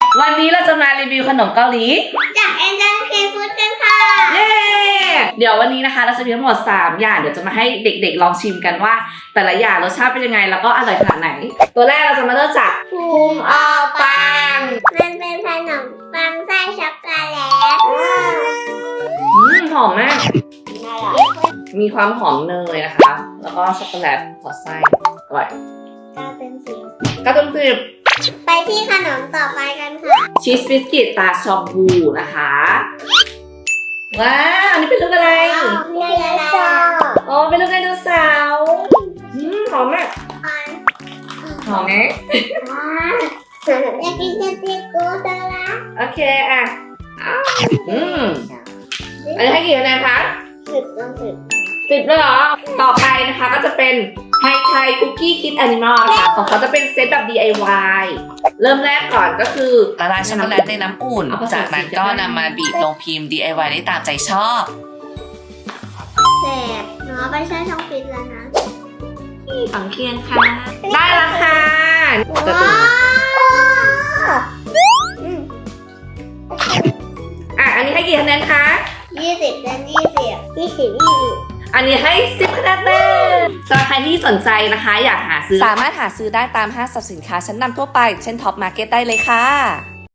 วันนี้เราจะมารีวิวขนมเกาหลีจากแอนเจลเคฟูดกันค่ะเย้เดี๋ยววันนี้นะคะเราจะมีทั้งหมด3อย่างเดี๋ยวจะมาให้เด็กๆลองชิมกันว่า แต่ละอย่างรสชาติเป็นยังไงแล้วก็อร่อยขนาดไหนตัวแรกเราจะมาเริ่มจากภูมิออปังมันเป็นขนมปังไส้ช็อกโกแลตหอมมากมีความหอมเนยนะคะแล้วก็ช็อกโกแลตสอดไส้อร่อย9/10 ไปที่ขนมต่อไปกันค่ะชีสบิสกิตตาชองบูนะคะว้าวอันนี้เป็นลูกอะไรอ๋อเป็นลูกไดโนเสาร์หอมมากหอมไหมอยากกินสติกโกโดล่าโอเคอ่ะอันนี้ให้กี่คะแนนคะ10เลยเหรอต่อไปนะคะก็จะเป็นไฮไทคุกกี้คิดแอนิมอลค่ะของเขาจะเป็นเซตแบบ DIY เริ่มแรกก่อนก็คือละลายช็อกโกแลตในน้ำอุ่นจากนั้นก็นำมาบีบลงพิมพ์ DIY ได้ตามใจชอบแสบหนูไปใช้ช่องฟิตแล้วนะฝังเคียงค่ะได้แล้วค่ะอันนี้ให้กี่คะแนนคะ 20 และ20 อันนี้ให้10คะแนนเต็มสำหรับใครที่สนใจนะคะอยากหาซื้อสามารถหาซื้อได้ตามห้างสรรพสินค้าชั้นนำทั่วไปเช่นท็อปมาร์เก็ตได้เลยค่ะ